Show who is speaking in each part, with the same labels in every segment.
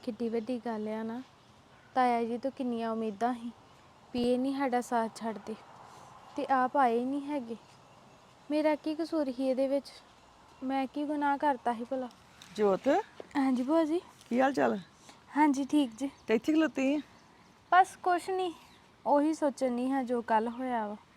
Speaker 1: ਕਿੱਡੀ ਵੱਡੀ ਗੱਲ ਆ ਨਾ। ਤਾਇਆ ਜੀ ਤੋਂ ਕਿੰਨੀਆਂ ਉਮੀਦਾਂ ਸੀ ਵੀ ਇਹ ਨਹੀਂ ਸਾਡਾ ਸਾਥ ਛੱਡਦੇ ਤੇ ਆਪ ਆਏ ਨਹੀਂ ਹੈਗੇ। ਮੇਰਾ ਕੀ ਕਸੂਰ ਸੀ ਇਹਦੇ ਵਿੱਚ? ਮੈਂ ਕੀ ਗੁਨਾਹ ਕਰਤਾ ਸੀ ਭਲਾ?
Speaker 2: ਜੋਤ,
Speaker 1: ਹਾਂਜੀ ਭੂਆ ਜੀ।
Speaker 2: ਕੀ ਹਾਲ ਚਾਲ?
Speaker 1: ਹਾਂਜੀ ਠੀਕ ਜੀ।
Speaker 2: ਤੇ ਇੱਥੇ ਖਲੋਤੀ ਆਂ?
Speaker 1: ਬਸ ਕੁਛ ਨਹੀਂ, ਉਹੀ ਸੋਚਣ ਨਹੀਂ ਹਾਂ ਜੋ ਕੱਲ ਹੋਇਆ ਵਾ।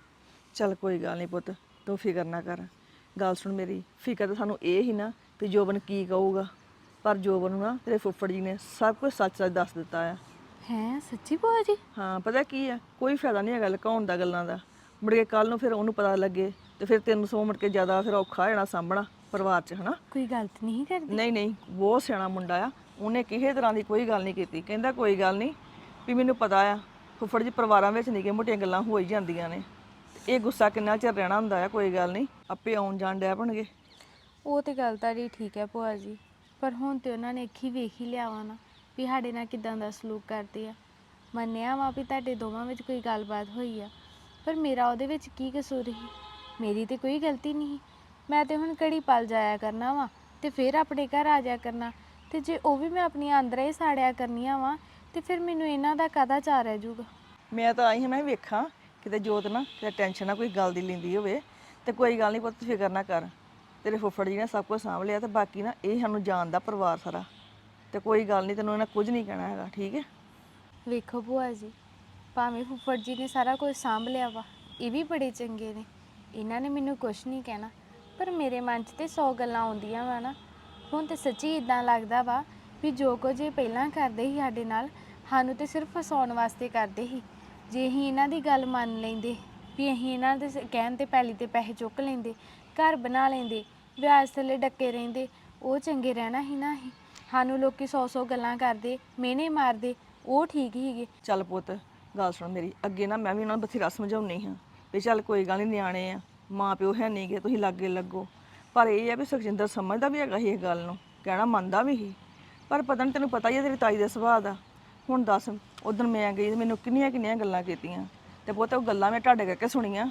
Speaker 2: ਚੱਲ ਕੋਈ ਗੱਲ ਨਹੀਂ ਪੁੱਤ, ਤੂੰ ਫਿਕਰ ਨਾ ਕਰ। ਗੱਲ ਸੁਣ ਮੇਰੀ, ਫਿਕਰ ਤਾਂ ਸਾਨੂੰ ਇਹ ਹੀ ਨਾ ਵੀ ਜੋਬਨ ਕੀ ਕਹੂਗਾ, ਪਰ ਜੋਬਨ ਨੂੰ ਨਾ ਤੇਰੇ ਫੁੱਫੜ ਜੀ ਨੇ ਸਭ ਕੁਝ ਸੱਚ-ਸੱਚ ਦੱਸ ਦਿੱਤਾ ਆ।
Speaker 1: ਹੈਂ ਸੱਚੀ ਭੂਆ ਜੀ?
Speaker 2: ਹਾਂ, ਪਤਾ ਕੀ ਆ, ਕੋਈ ਫਾਇਦਾ ਨਹੀਂ ਹੈਗਾ ਲੁਕਾਉਣ ਦਾ ਗੱਲਾਂ ਦਾ। ਮੁੜ ਕੇ ਕੱਲ ਨੂੰ ਫਿਰ ਉਹਨੂੰ ਪਤਾ ਲੱਗੇ ਤੇ ਫਿਰ ਤੈਨੂੰ ਸੌ ਮੁੜ ਕੇ ਜ਼ਿਆਦਾ ਫਿਰ ਔਖਾ ਹੋ ਜਾਣਾ ਸਾਂਭਣਾ ਪਰਿਵਾਰ 'ਚ, ਹਨਾ?
Speaker 1: ਕੋਈ ਗਲਤ ਨਹੀਂ ਕਰਦੀ?
Speaker 2: ਨਹੀਂ ਨਹੀਂ, ਬਹੁਤ ਸਿਆਣਾ ਮੁੰਡਾ ਆ। ਉਹਨੇ ਕਿਸੇ ਤਰ੍ਹਾਂ ਦੀ ਕੋਈ ਗੱਲ ਨਹੀਂ ਕੀਤੀ। ਕਹਿੰਦਾ ਕੋਈ ਗੱਲ ਨਹੀਂ, ਵੀ ਮੈਨੂੰ ਪਤਾ ਆ ਫੁੱਫੜ ਜੀ ਪਰਿਵਾਰਾਂ ਵਿੱਚ ਨਿੱਕੀਆਂ ਮੋਟੀਆਂ ਗੱਲਾਂ ਹੋ ਹੀ ਜਾਂਦੀਆਂ ਨੇ। ਇਹ ਗੁੱਸਾ ਕਿੰਨਾ ਚਿਰ ਰਹਿਣਾ ਹੁੰਦਾ ਆ, ਕੋਈ ਗੱਲ ਨਹੀਂ, ਆਪੇ ਆਉਣ ਜਾਣ ਡਿਆ ਬਣਗੇ।
Speaker 1: ਉਹ ਤੇ ਗੱਲ ਤੁਹਾਡੀ ਠੀਕ ਹੈ ਭੂਆ ਜੀ, ਪਰ ਹੁਣ ਤੇ ਉਹਨਾਂ ਨੇ ਅੱਖੀ ਵੇਖ ਹੀ ਲਿਆ ਵਾ ਨਾ ਵੀ ਸਾਡੇ ਨਾਲ ਕਿੱਦਾਂ ਦਾ ਸਲੂਕ ਕਰਦੇ ਆ। ਮੰਨਿਆ ਵਾ ਵੀ ਤੁਹਾਡੇ ਦੋਵਾਂ ਵਿੱਚ ਕੋਈ ਗੱਲਬਾਤ ਹੋਈ ਆ, ਪਰ ਮੇਰਾ ਉਹਦੇ ਵਿੱਚ ਕੀ ਕਸੂਰ ਸੀ? ਮੇਰੀ ਤੇ ਕੋਈ ਗਲਤੀ ਨਹੀਂ। ਮੈਂ ਤੇ ਹੁਣ ਘੜੀ ਪਲ ਜਾਇਆ ਕਰਨਾ ਵਾ ਤੇ ਫਿਰ ਆਪਣੇ ਘਰ ਆ ਜਾਇਆ ਕਰਨਾ, ਤੇ ਜੇ ਉਹ ਵੀ ਮੈਂ ਆਪਣੀਆਂ ਅੰਦਰਾਂ ਹੀ ਸਾੜਿਆ ਕਰਨੀਆਂ ਵਾ ਤੇ ਫਿਰ ਮੈਨੂੰ ਇਹਨਾਂ ਦਾ ਕਾਹਦਾ ਚਾਅ ਰਹਿ ਜਾਊਗਾ?
Speaker 2: ਮੈਂ ਤਾਂ ਆਈ ਹਾਂ, ਮੈਂ ਵੇਖਾਂ ਕਿਤੇ ਜੋਤ ਨਾ ਕਿਤੇ ਟੈਨਸ਼ਨ ਨਾ ਕੋਈ ਗੱਲ ਦੀ ਲੈਂਦੀ ਹੋਵੇ। ਤੇ ਕੋਈ ਗੱਲ ਨਹੀਂ ਪੁੱਤ, ਫਿਕਰ ਨਾ ਕਰ। ਤੇਰੇ ਫੁੱਫੜ ਜੀ ਨੇ ਸਭ ਕੁਝ ਸਾਂਭ ਲਿਆ ਤੇ ਬਾਕੀ ਨਾ ਇਹ ਸਾਨੂੰ ਜਾਣਦਾ ਪਰਿਵਾਰ ਸਾਰਾ, ਤੇ ਕੋਈ ਗੱਲ ਨਹੀਂ, ਤੈਨੂੰ ਇਹਨਾਂ ਕੁਝ ਨਹੀਂ ਕਹਿਣਾ ਹੈਗਾ, ਠੀਕ ਹੈ?
Speaker 1: ਵੇਖੋ ਭੂਆ ਜੀ, ਭਾਵੇਂ ਫੁੱਫੜ ਜੀ ਨੇ ਸਾਰਾ ਕੁਝ ਸਾਂਭ ਲਿਆ ਵਾ, ਇਹ ਵੀ ਬੜੇ ਚੰਗੇ ਨੇ, ਇਹਨਾਂ ਨੇ ਮੈਨੂੰ ਕੁਛ ਨਹੀਂ ਕਹਿਣਾ, ਪਰ ਮੇਰੇ ਮਨ 'ਚ ਤੇ 100 ਗੱਲਾਂ ਆਉਂਦੀਆਂ ਵਾ ਨਾ। ਹੁਣ ਤੇ ਸੱਚੀ ਇਦਾਂ ਲੱਗਦਾ ਵਾ ਵੀ ਜੋ ਕੁਝ ਇਹ ਪਹਿਲਾਂ ਕਰਦੇ ਸੀ ਸਾਡੇ ਨਾਲ, ਸਾਨੂੰ ਤੇ ਸਿਰਫ ਫਸਾਉਣ ਵਾਸਤੇ ਕਰਦੇ ਸੀ। ਜੇ ਅਸੀਂ ਇਹਨਾਂ ਦੀ ਗੱਲ ਮੰਨ ਲੈਂਦੇ ਵੀ ਅਸੀਂ ਇਹਨਾਂ ਦੇ ਕਹਿਣ ਤੇ ਪੈਲੀ ਤੇ ਪੈਸੇ ਚੁੱਕ ਲੈਂਦੇ, ਘਰ ਬਣਾ ਲੈਂਦੇ, ਵਿਆਜ ਥੱਲੇ ਡੱਕੇ ਰਹਿੰਦੇ, ਉਹ ਚੰਗੇ ਰਹਿਣਾ ਸੀ ਨਾ। ਅਸੀਂ ਸਾਨੂੰ ਲੋਕੀ 100 ਗੱਲਾਂ ਕਰਦੇ, ਮਿਹਣੇ ਮਾਰਦੇ, ਉਹ ਠੀਕ ਹੀਗੇ।
Speaker 2: ਚੱਲ ਪੁੱਤ, ਗੱਲ ਸੁਣ ਮੇਰੀ, ਅੱਗੇ ਨਾ ਮੈਂ ਵੀ ਉਹਨਾਂ ਨੂੰ ਬਥੇਰਾ ਸਮਝਾਉਣੀ ਹਾਂ ਵੀ ਚੱਲ ਕੋਈ ਗੱਲ ਨਹੀਂ, ਨਿਆਣੇ ਆ, ਮਾਂ ਪਿਓ ਹੈ ਨਹੀਂ ਗੇ, ਤੁਸੀਂ ਲਾਗੇ ਲੱਗੋ। ਪਰ ਇਹ ਆ ਵੀ ਸੁਖਜਿੰਦਰ ਸਮਝਦਾ ਵੀ ਹੈਗਾ ਸੀ ਇਹ ਗੱਲ ਨੂੰ, ਕਹਿਣਾ ਮੰਨਦਾ ਵੀ ਸੀ, ਪਰ ਪਤਾ ਨਹੀਂ, ਤੈਨੂੰ ਪਤਾ ਹੀ ਹੈ ਤੇਰੀ ਤਾਈ ਦੇ ਸੁਭਾਅ ਦਾ। ਹੁਣ ਦੱਸ, ਉਦੋਂ ਮੈਂ ਗਈ ਤੇ ਮੈਨੂੰ ਕਿੰਨੀਆਂ ਕਿੰਨੀਆਂ ਗੱਲਾਂ ਕੀਤੀਆਂ, ਤੇ ਪੁੱਤ ਉਹ ਗੱਲਾਂ ਮੈਂ ਤੁਹਾਡੇ ਕਰਕੇ ਸੁਣੀਆਂ।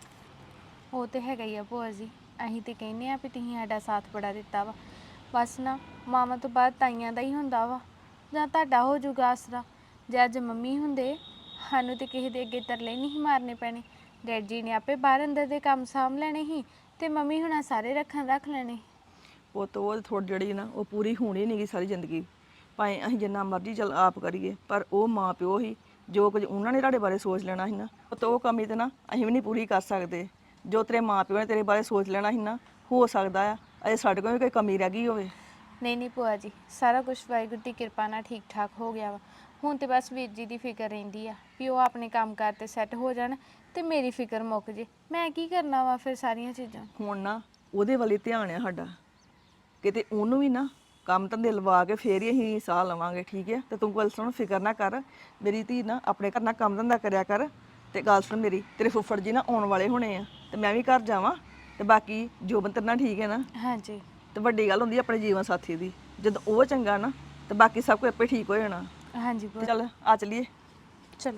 Speaker 1: ਉਹ ਤੇ ਹੈਗਾ ਹੀ ਆ ਭੂਆ ਜੀ, ਅਸੀਂ ਤੇ ਕਹਿੰਦੇ ਆ ਵੀ ਤੁਸੀਂ ਸਾਡਾ ਸਾਥ ਬੜਾ ਦਿੱਤਾ ਵਾ। ਬਸ ਨਾ, ਮਾਵਾਂ ਤੋਂ ਬਾਅਦ ਤਾਈਆਂ ਦਾ ਹੀ ਹੁੰਦਾ ਵਾ, ਜਾਂ ਤੁਹਾਡਾ ਹੋ ਜਾਊਗਾ ਆਸਰਾ। ਜੇ ਅੱਜ ਮੰਮੀ ਹੁੰਦੇ, ਸਾਨੂੰ ਤੇ ਕਿਸੇ ਦੇ ਅੱਗੇ ਤਰਲੇ ਨਹੀਂ ਸੀ ਮਾਰਨੇ ਪੈਣੇ। ਡੈਡ ਜੀ ਨੇ ਆਪੇ ਬਾਹਰ ਅੰਦਰ ਦੇ ਕੰਮ ਸਾਂਭ ਲੈਣੇ ਸੀ ਤੇ ਮੰਮੀ ਹੁਣਾਂ ਸਾਰੇ ਰੱਖ ਲੈਣੇ।
Speaker 2: ਪੁੱਤ ਉਹ ਥੋੜ੍ਹੀ ਜਿਹੜੀ ਨਾ ਉਹ ਪੂਰੀ ਹੋਣੀ ਨਹੀਂ ਗੀ ਸਾਰੀ ਜ਼ਿੰਦਗੀ, ਭਾਵੇਂ ਅਸੀਂ ਜਿੰਨਾ ਮਰਜ਼ੀ ਚੱਲ ਆਪ ਕਰੀਏ, ਪਰ ਉਹ ਮਾਂ ਪਿਓ ਹੀ ਜੋ ਕੁਝ ਉਹਨਾਂ ਨੇ ਤੁਹਾਡੇ ਬਾਰੇ ਸੋਚ ਲੈਣਾ ਸੀ ਨਾ, ਤਾਂ ਉਹ ਕਮੀ ਤੇ ਨਾ ਅਸੀਂ ਵੀ ਨਹੀਂ ਪੂਰੀ ਕਰ ਸਕਦੇ। ਜੋ ਤੇਰੇ ਮਾਂ ਪਿਓ ਨੇ ਤੇਰੇ ਬਾਰੇ ਸੋਚ ਲੈਣਾ ਸੀ ਨਾ, ਹੋ ਸਕਦਾ ਆ ਅਜੇ ਸਾਡੇ ਕੋਲ ਵੀ ਕੋਈ ਕਮੀ ਰਹਿ ਗਈ ਹੋਵੇ।
Speaker 1: ਨਹੀਂ ਨਹੀਂ ਭੂਆ ਜੀ, ਸਾਰਾ ਕੁਝ ਵਾਹਿਗੁਰੂ ਦੀ ਕਿਰਪਾ ਨਾਲ ਠੀਕ ਠਾਕ ਹੋ ਗਿਆ ਵਾ। ਹੁਣ ਤੇ ਬਸ ਵੀਰ ਜੀ ਦੀ ਫਿਕਰ ਰਹਿੰਦੀ ਆ ਵੀ ਉਹ ਆਪਣੇ ਕੰਮ ਕਾਰ ਤੇ ਸੈੱਟ ਹੋ ਜਾਣ ਤੇ ਮੇਰੀ ਫਿਕਰ ਮੁੱਕ ਜੇ। ਮੈਂ ਕੀ ਕਰਨਾ ਵਾ ਫਿਰ ਸਾਰੀਆਂ ਚੀਜ਼ਾਂ?
Speaker 2: ਹੁਣ ਨਾ ਉਹਦੇ ਵੱਲ ਹੀ ਧਿਆਨ ਆ ਸਾਡਾ, ਕਿਤੇ ਉਹਨੂੰ ਵੀ ਨਾ ਕੰਮ ਧੰਦੇ ਲਵਾ ਕੇ ਫੇਰ ਹੀ ਅਸੀਂ ਸਾਹ ਲਵਾਂਗੇ, ਠੀਕ ਹੈ? ਤੇ ਤੂੰ ਗੱਲ ਸੁਣ, ਫਿਕਰ ਨਾ ਕਰ ਮੇਰੀ ਧੀ, ਨਾ ਆਪਣੇ ਘਰ ਨਾਲ ਕੰਮ ਧੰਦਾ ਕਰਿਆ ਕਰ। ਤੇ ਗੱਲ ਸੁਣ ਮੇਰੀ, ਤੇਰੇ ਫੁੱਫੜ ਜੀ ਨਾ ਆਉਣ ਵਾਲੇ ਹੋਣੇ ਆ, ਤੇ ਮੈਂ ਵੀ ਘਰ ਜਾਵਾਂ, ਤੇ ਬਾਕੀ ਜੋਬਨ ਤੇਰੇ ਨਾਲ ਠੀਕ ਹੈ ਨਾ?
Speaker 1: ਹਾਂਜੀ।
Speaker 2: ਤੇ ਵੱਡੀ ਗੱਲ ਹੁੰਦੀ ਆਪਣੇ ਜੀਵਨ ਸਾਥੀ ਦੀ, ਜਦੋਂ ਉਹ ਚੰਗਾ ਨਾ ਤੇ ਬਾਕੀ ਸਭ ਕੁਝ ਆਪੇ ਠੀਕ ਹੋ ਜਾਣਾ।
Speaker 1: ਹਾਂਜੀ
Speaker 2: ਤੇ
Speaker 1: ਭੂਆ।
Speaker 2: ਚੱਲ ਆ ਚਲੀਏ।
Speaker 1: ਚਲੋ।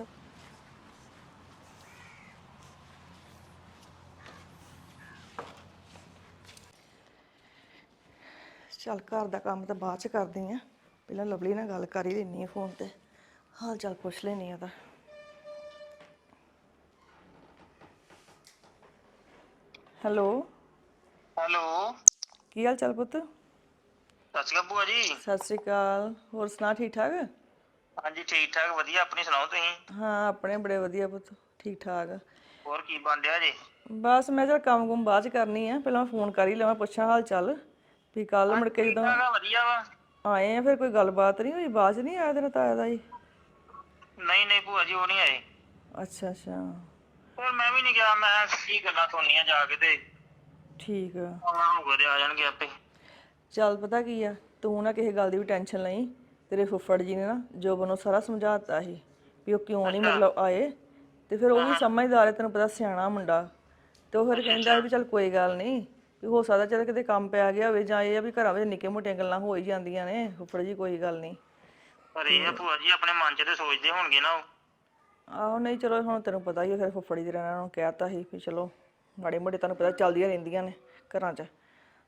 Speaker 2: ਚੱਲ ਘਰ ਦਾ ਕੰਮ ਤਾਂ ਬਾਅਦ ਚ ਕਰਦੀ ਆ, ਪਹਿਲਾਂ ਲਵਲੀ ਨਾਲ ਗੱਲ ਕਰ ਹੀ ਲੈਣੀ ਆ, ਫੋਨ ਤੇ ਹਾਲ ਚਾਲ ਪੁੱਛ ਲੈਣੀ ਆ ਤਾਂ। ਹੈਲੋ।
Speaker 3: ਹੈਲੋ,
Speaker 2: ਕੀ ਹਾਲ ਚਾਲ ਪੁੱਤ?
Speaker 3: ਸਤਿ ਸ਼੍ਰੀ ਅਕਾਲ ਭੂਆ ਜੀ।
Speaker 2: ਸਤਿ ਸ੍ਰੀ ਅਕਾਲ, ਹੋਰ ਸੁਣਾ, ਠੀਕ ਠਾਕ?
Speaker 3: ਹਾਂਜੀ ਠੀਕ ਠਾਕ ਵਧੀਆ, ਆਪਣੀ ਸੁਣਾਓ ਤੁਸੀਂ?
Speaker 2: ਹਾਂ, ਆਪਣੇ ਬੜੇ ਵਧੀਆ ਪੁੱਤ, ਠੀਕ ਠਾਕ।
Speaker 3: ਹੋਰ ਕੀ ਬਣ ਰਿਹਾ ਜੀ?
Speaker 2: ਬਸ ਮੈਂ ਚੱਲ ਕੰਮ ਕੁਮ ਬਾਅਦ ਚ ਕਰਨੀ ਆ, ਪਹਿਲਾਂ ਮੈਂ ਫੋਨ ਕਰ ਹੀ ਲਵਾਂ, ਪੁੱਛਾਂ ਹਾਲ ਚਾਲ ਵੀ ਕੱਲ ਮੁੜ
Speaker 3: ਹਾਂਜੀ
Speaker 2: ਕੇ
Speaker 3: ਠੀਕ
Speaker 2: ਜਦੋਂ
Speaker 3: ਠਾਕ ਆ, ਵਧੀਆ ਵਾ।
Speaker 2: ਆਏ ਆ ਫਿਰ ਕੋਈ ਗੱਲਬਾਤ ਨਹੀਂ ਹੋਈ? ਬਾਅਦ ਚ ਨਹੀਂ ਆਇਆ ਤੇਰਾ ਤਾਇਆ ਦਾ ਜੀ?
Speaker 3: ਨਹੀਂ ਨਹੀਂ ਭੂਆ ਜੀ, ਉਹ ਨਹੀਂ ਆਏ।
Speaker 2: ਅੱਛਾ ਅੱਛਾ,
Speaker 3: ਹੋਰ ਮੈਂ ਵੀ ਨਹੀਂ ਗਿਆ, ਮੈਂ ਕੀ ਗੱਲਾਂ ਸੁਣਨੀਆਂ ਜਾ ਕੇ, ਤੇ
Speaker 2: ਠੀਕ ਆ।
Speaker 3: ਆਉਣਾ ਹੋਊਗਾ ਤੇ ਆ ਜਾਣਗੇ ਆਪੇ।
Speaker 2: ਚੱਲ ਪਤਾ ਕੀ ਆ, ਤੂੰ ਨਾ ਕਿਸੇ ਗੱਲ ਦੀ ਵੀ ਟੈਨਸ਼ਨ ਲਈ। ਤੇਰੇ ਫੁੱਫੜ ਜੀ ਨੇ ਨਾ ਜੋਬਨ ਨੂੰ ਸਾਰਾ ਸਮਝਾਤਾ ਸੀ ਵੀ ਉਹ ਕਿਉਂ ਨਹੀਂ
Speaker 3: ਅੱਛਾ।
Speaker 2: ਮਤਲਬ ਆਏ, ਤੇ ਫਿਰ ਉਹ
Speaker 3: ਹਾਂ
Speaker 2: ਵੀ
Speaker 3: ਹਾਂ।
Speaker 2: ਸਮਝਦਾਰ ਹੈ, ਤੈਨੂੰ ਪਤਾ ਸਿਆਣਾ ਮੁੰਡਾ, ਤੇ ਉਹ ਫਿਰ
Speaker 3: ਅੱਛਾ
Speaker 2: ਕਹਿੰਦਾ
Speaker 3: ਅੱਛਾ।
Speaker 2: ਵੀ ਚੱਲ ਕੋਈ ਗੱਲ ਨਹੀਂ, ਵੀ ਹੋ ਸਕਦਾ ਚੱਲ ਕਿਤੇ ਕੰਮ ਪੈ ਗਿਆ ਹੋਵੇ, ਜਾਂ ਇਹ ਆ ਵੀ ਘਰਾਂ ਵਿੱਚ ਨਿੱਕੀਆਂ ਮੋਟੀਆਂ ਗੱਲਾਂ ਹੋ ਹੀ ਜਾਂਦੀਆਂ ਨੇ, ਫੁੱਫੜ ਜੀ ਕੋਈ ਗੱਲ ਨਹੀਂ।
Speaker 3: ਪਰ ਇਹ ਆ ਭੂਆ ਜੀ, ਆਪਣੇ ਮਨ 'ਚ ਤੇ ਸੋਚਦੇ ਹੋਣਗੇ ਨਾ ਉਹ।
Speaker 2: ਆਹੋ, ਨਹੀਂ ਚਲੋ ਹੁਣ ਤੈਨੂੰ ਪਤਾ ਹੀ ਆ, ਫਿਰ ਫੁੱਫੜ ਜੀ ਦੇ ਨਾਲ ਨੂੰ ਕਹਿਤਾ ਸੀ ਵੀ ਚਲੋ ਮਾੜੇ ਮੋਟੇ ਤੁਹਾਨੂੰ ਪਤਾ ਚੱਲਦੀਆਂ ਰਹਿੰਦੀਆਂ ਨੇ ਘਰਾਂ 'ਚ,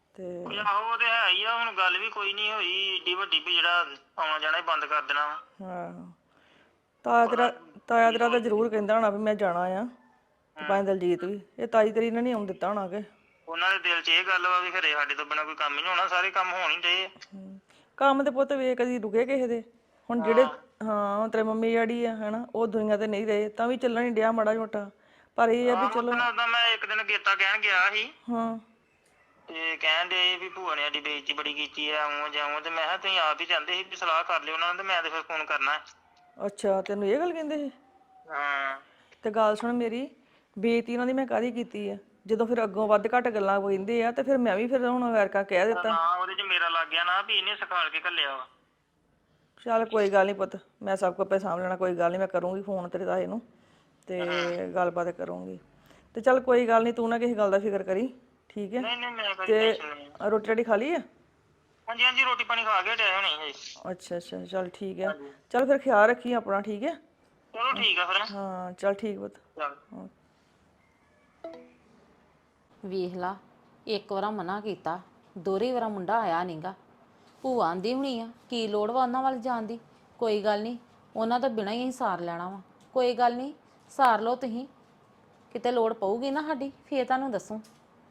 Speaker 2: ਤੇ
Speaker 3: ਉਹ ਆਹੋ ਉਹ ਤੇ ਹੈ ਹੀ ਆ। ਹੁਣ ਗੱਲ ਵੀ ਕੋਈ ਨਹੀਂ ਹੋਈ ਏਡੀ ਵੱਡੀ ਵੀ ਜਿਹੜਾ ਆਉਣਾ ਜਾਣਾ ਹੀ ਬੰਦ ਕਰ ਦੇਣਾ ਵਾ।
Speaker 2: ਹਾਂ ਤਾਇਆ ਤੇਰਾ ਤਾਂ ਜ਼ਰੂਰ ਕਹਿੰਦਾ ਹੋਣਾ ਵੀ ਮੈਂ ਜਾਣਾ ਆ, ਤੇ ਭਾਵੇਂ ਦਲਜੀਤ ਵੀ। ਇਹ ਤਾਈ ਤੇਰੀ ਨੇ ਨਹੀਂ ਆਉਣ ਦਿੱਤਾ ਹੋਣਾ ਕਿ
Speaker 3: ਉਹਨਾਂ ਦੇ ਦਿਲ 'ਚ ਇਹ ਗੱਲ ਵਾ ਵੀ ਘਰੇ ਸਾਡੇ ਤੋਂ ਬਿਨਾਂ ਕੋਈ ਕੰਮ ਹੀ ਨਹੀਂ ਹੋਣਾ, ਸਾਰੇ ਕੰਮ ਹੋਣ ਹੀ ਡਏ ਆ।
Speaker 2: ਕੰਮ ਤੇ ਪੁੱਤ ਵੇ ਕਦੀ ਰੁਕੇ ਕਿਸੇ ਦੇ। ਹੁਣ ਜਿਹੜੇ ਹਾਂ ਤੇਰੇ ਮੰਮੀ ਡੈਡੀ ਆ ਹਨਾ, ਉਹ ਦੁਨੀਆ ਤੇ ਨਹੀਂ ਰਹੇ ਤਾਂ ਵੀ ਚੱਲਣ ਹੀ ਡਿਆ ਮਾੜਾ ਮੋਟਾ। ਪਰ ਇਹ ਆ ਵੀ ਚਲੋ
Speaker 3: ਉਦਾਂ ਮੈਂ ਇੱਕ ਦਿਨ ਗੇਤਾ ਕਹਿਣ ਗਿਆ ਸੀ
Speaker 2: ਹਾਂ
Speaker 3: ਤੇ ਕਹਿਣ ਦੇ ਵੀ ਭੂਆ ਨੇ ਸਾਡੀ ਬੇਇੱਜ਼ਤੀ ਬੜੀ ਕੀਤੀ ਆ, ਆਉਂ ਜਾਉਂ। ਤੇ ਮੈਂ ਕਿਹਾ ਤੁਸੀਂ ਆਪ ਹੀ ਜਾਂਦੇ ਸੀ ਵੀ ਸਲਾਹ ਕਰ ਲਿਓ ਉਹਨਾਂ ਨਾਲ, ਤੇ ਮੈਂ ਤੇ ਫਿਰ ਫੋਨ ਕਰਨਾ।
Speaker 2: ਅੱਛਾ ਤੈਨੂੰ ਇਹ ਗੱਲ ਕਹਿੰਦੇ ਸੀ?
Speaker 3: ਹਾਂ
Speaker 2: ਤੇ ਗੱਲ ਸੁਣ ਮੇਰੀ, ਬੇਇੱਜ਼ਤੀ ਉਹਨਾਂ ਦੀ ਮੈਂ ਕਾਹਦੀ ਕੀਤੀ ਆ? ਜਦੋਂ ਫਿਰ ਅੱਗੋਂ ਵੱਧ ਘੱਟ ਗੱਲਾਂ ਕਹਿੰਦੇ ਆ ਤੇ ਫਿਰ ਮੈਂ ਵੀ ਫਿਰ ਹੁਣ ਵੈਰਕਾ ਕਹਿ ਦਿੱਤਾ।
Speaker 3: ਨਾ ਉਹਦੇ 'ਚ ਮੇਰਾ ਲੱਗ ਗਿਆ ਨਾ ਵੀ ਇਹਨੇ ਸਿਖਾਲ ਕੇ ਘੱਲਿਆ ਵਾ।
Speaker 2: ਚੱਲ ਕੋਈ ਗੱਲ ਨਹੀਂ ਪੁੱਤ, ਮੈਂ ਸਭ ਕੁਝ ਆਪੇ ਸਾਂਭ ਲੈਣਾ। ਕੋਈ ਗੱਲ ਨਹੀਂ, ਮੈਂ ਕਰੂੰਗੀ ਫੋਨ ਤੇਰੇ ਤਾਏ ਨੂੰ ਤੇ ਗੱਲਬਾਤ ਕਰੂੰਗੀ। ਤੇ ਚੱਲ ਕੋਈ ਗੱਲ ਨਹੀਂ, ਤੂੰ ਨਾ ਕਿਸੇ ਗੱਲ ਦਾ ਫਿਕਰ ਕਰੀ, ਠੀਕ ਹੈ?
Speaker 3: ਨਹੀਂ ਨਹੀਂ ਮੈਂ ਕੋਈ
Speaker 2: ਤੇ
Speaker 3: ਟੈਨਸ਼ਨ ਨਹੀਂ।
Speaker 2: ਰੋਟੀ ਰਾਟੀ ਖਾ ਲਈ ਆ?
Speaker 3: ਹਾਂਜੀ ਹਾਂਜੀ ਰੋਟੀ ਪਾਣੀ ਖਾ ਕੇ ਹਟਿਆ ਹੁਣੀ ਜੀ।
Speaker 2: ਅੱਛਾ ਅੱਛਾ ਚੱਲ ਠੀਕ ਹੈ। ਚੱਲ ਫਿਰ ਖਿਆਲ ਰੱਖੀ ਆਪਣਾ, ਠੀਕ ਹੈ?
Speaker 3: ਚਲੋ ਠੀਕ ਆ ਫਿਰ।
Speaker 2: ਹਾਂ ਚੱਲ ਠੀਕ ਪੁੱਤ।
Speaker 3: ਚੱਲ
Speaker 4: ਵੇਖ ਲਾ, ਇੱਕ ਵਾਰਾ ਮਨਾ ਕੀਤਾ, ਦੋਹਰੀ ਵਾਰਾ ਮੁੰਡਾ ਆਇਆ ਨਹੀਂਗਾ। ਭੂਆ ਆਂਦੀ ਹੁਣੀ ਆ ਕੀ ਲੋੜ ਵਾ ਉਹਨਾਂ ਵੱਲ ਜਾਣ ਦੀ। ਕੋਈ ਗੱਲ ਨਹੀਂ, ਉਹਨਾਂ ਤੋਂ ਬਿਨਾਂ ਹੀ ਅਸੀਂ ਸਾਰ ਲੈਣਾ ਵਾ। ਕੋਈ ਗੱਲ ਨਹੀਂ, ਸਾਰ ਲਓ ਤੁਸੀਂ। ਕਿਤੇ ਲੋੜ ਪਊਗੀ ਨਾ ਸਾਡੀ ਫੇਰ ਤੁਹਾਨੂੰ ਦੱਸੂ।